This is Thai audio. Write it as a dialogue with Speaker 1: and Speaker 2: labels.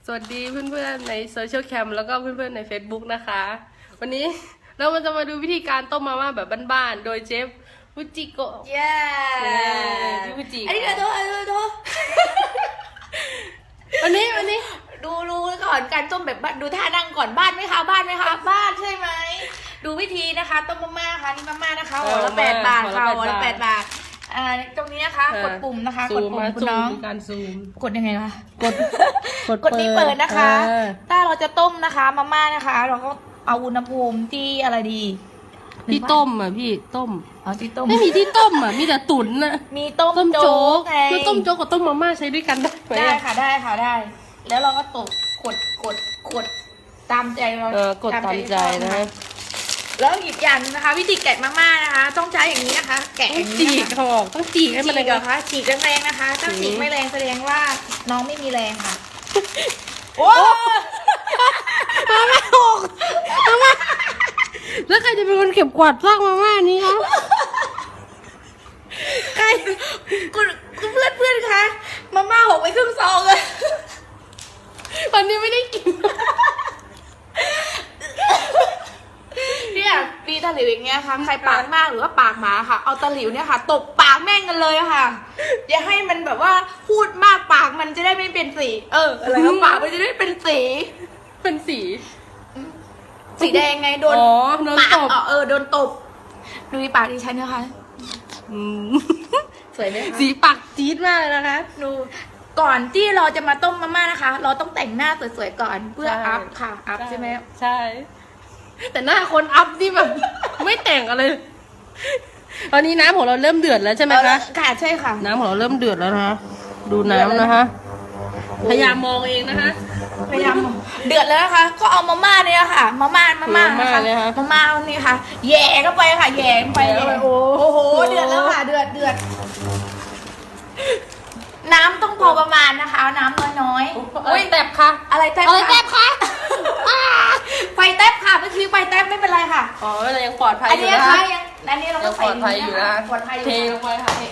Speaker 1: สวัสดีเพื่อนๆในโซเชียลแคมแล้วก็เพื่อนๆใน Facebook นะคะ วันนี้เราจะมาดูวิธีการต้มมาม่าแบบบ้านๆโดยเชฟฟูจิโกะ
Speaker 2: เย้
Speaker 1: พี่ฟูจิ
Speaker 2: อันนี้เดี๋ยวโทษ
Speaker 1: วันนี้
Speaker 2: ดูก่อนการต้มแบบบ้านดูท่านั่งก่อนบ้านไหมคะบ้านใช่ไหมดูวิธีนะคะต้มมาม่าค่ะนี่มาม่านะคะห่อละ8 บาทค่ะห่อละ8 บาทตรงนี้นะคะกดปุ่มนะคะกดปุ่มคุณน้อง
Speaker 1: การซูม
Speaker 2: กดยังไงคะ
Speaker 1: กด
Speaker 2: นี้เปิดนะคะ ถ้าเราจะต้มนะคะมาม่านะคะ เราก็เอาอุณหภูมิที่อะไรดี
Speaker 1: ที่ต้มอ่ะพี่ต้ม
Speaker 2: เอาที่ต้ม
Speaker 1: ไม่มีที่ต้มอ่ะมีแต่ตุ๋นอ่ะ
Speaker 2: มีต้ม
Speaker 1: โจ๊
Speaker 2: โจ๊
Speaker 1: ก
Speaker 2: กไง
Speaker 1: คือต้มโจ๊กกับต้มมาม่าใช้ด้วยกันได้ไหม
Speaker 2: ได้ค่ะได้ แล้วเราก็ตกกดตามใจเรา
Speaker 1: กดตามใจนะ
Speaker 2: แล้วอีกอย่างนึงนะคะ วิธีแกะมาม่านะคะ ต้องใช้อย่างนี้นะคะ แกะ
Speaker 1: ต้
Speaker 2: อ
Speaker 1: อง
Speaker 2: ย่าง
Speaker 1: จี
Speaker 2: นี้
Speaker 1: ก
Speaker 2: นะคะ
Speaker 1: เขาบอกต้องจีกให้
Speaker 2: ฉี
Speaker 1: มัน
Speaker 2: กเหรอคะฉีกแรงๆนะคะ ถ้าฉีกไม่แรงแสดงว่าน้องไม่มีแรงค่ะโอ้
Speaker 1: มาม่าหกมาม่าแล้วใครจะเป็นคนเก็บกวาดซากมาม่านี้คะใคร
Speaker 2: คุณเพื่อนคะมาม่าหกไปครึ่งซองเลย
Speaker 1: วันนี้ไม่ได้กิน
Speaker 2: เนี่ยปีตะหลิวอย่างเงี้ยค่ะใครปากมากหรือว่าปากหมาค่ะ เอาตะหลิวเนี่ยค่ะตบปากแม่งกันเลยค่ะอย่าให้มันแบบว่าพูดมากปากมันจะได้ไม่เป็นสีอะไรนะปากมันจะได้เป็นสี
Speaker 1: เป็นสี
Speaker 2: สีแดงไงโดน
Speaker 1: อ๋อโดน
Speaker 2: ปาก
Speaker 1: ตบ
Speaker 2: โดนตบดูปากดิฉันนะคะ
Speaker 1: อืม
Speaker 2: สวยไหมคะ
Speaker 1: สีปากจี๊ดมากเลยนะคะ
Speaker 2: ดูก่อนที่เราจะมาต้มมาม่านะคะ เราต้องแต่งหน้าสวยๆก่อนเพื่อ
Speaker 1: ใช่
Speaker 2: อัพค่ะอัพใช่ไหม
Speaker 1: ใช่ แต่หน้าคนอัพนี่แบบ ไม่แต่งอะไรเลยตอนนี้น้ำของเราเริ่มเดือดแล้วใช่ไหมคะ
Speaker 2: ค่ะใช่ค่ะ
Speaker 1: น้ำของเราเริ่มเดือดแล้วนะคะดูน้ำนะคะ พยายามมองเองนะคะ
Speaker 2: พยายามเดือดแล้วนะคะ ก็เอามาม่าเนี่ยค่ะมาม่านะคะ
Speaker 1: มาม่าเนี่ยค่ะ
Speaker 2: มาม่านี่ค่ะแย่เข้าไปค่ะแย่เข้าไป
Speaker 1: แย่เข้าไป
Speaker 2: โอ้โหเดือดแล้วค่ะเดือดน้ำต้องพอประมาณนะคะเอาน้ำน้อยๆ
Speaker 1: โอ้ยแตบค่ะ
Speaker 2: อะไรแทบ
Speaker 1: อะไรแตบคะ
Speaker 2: ไฟแทบค่ะเมื่อกี้ไฟแทบไม่เป็นไรค่ะ
Speaker 1: อ๋อเรายังปลอดภัย
Speaker 2: อัน
Speaker 1: อยู่
Speaker 2: นี้
Speaker 1: นะ
Speaker 2: นะคะ
Speaker 1: คะ
Speaker 2: อันนี้เรา
Speaker 1: ยั
Speaker 2: ก็
Speaker 1: งป
Speaker 2: ใส่
Speaker 1: ลอดภัยอยู่นะ
Speaker 2: ปลอดภัยอยู่
Speaker 1: เทลงไปค่ะเท